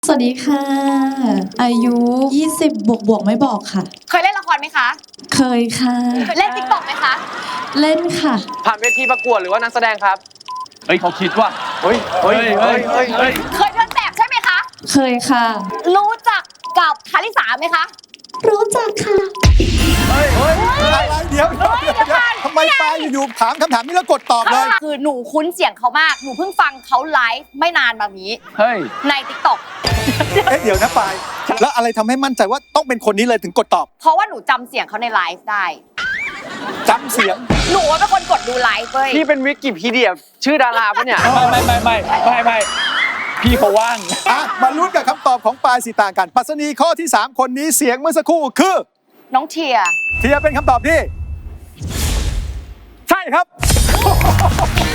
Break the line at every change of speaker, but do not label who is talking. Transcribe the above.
สวัสดีค่ะ อายุ 20 บวกไม่บอกค่ะ
เคยเล่นละครไหมคะ
เคยค่ะ
เล่นติ๊กต็อกไหมคะ
เล่นค่ะ
ผ่านเวทีประกวดหรือว่านักแสดงครับ
เฮ้ยเขาคิดว่า
เฮ้ย
เฮ้ย
เคยเดินแบบใช่ไหมคะ
เคยค่ะ
รู้จักกับคาริสาไหมคะ
รู้จักค่ะ
อะไรเดี๋ยวทำไมปาอยู่ๆถามคำถามนี้แล้วกดตอบเลย
คือหนูคุ้นเสียงเขามาก หนูเพิ่งฟังเขาไลฟ์ไม่นานมานี้
เฮ้ย
ในติ๊กต็อก
เดี๋ยวนะปายแล้วอะไรทำให้มั่นใจว่าต้องเป็นคนนี้เลยถึงกดตอบ
เพราะว่าหนูจำเสียงเขาในไลฟ์ได้
จำเสียง
หนูเป็นคนกดดูไลฟ์เว้ย
พี่เป็นวิกิพีเดียชื่อดาราปะเนี่ย
ไม่พี่เขาว่าง
มาลุ้นกับคำตอบของปายสีต่างกันปรัชนีข้อที่ 3 คนนี้เสียงเมื่อสักครู่คือ
น้องเทีย
เทียเป็นคำตอบที่ ใช่ครับ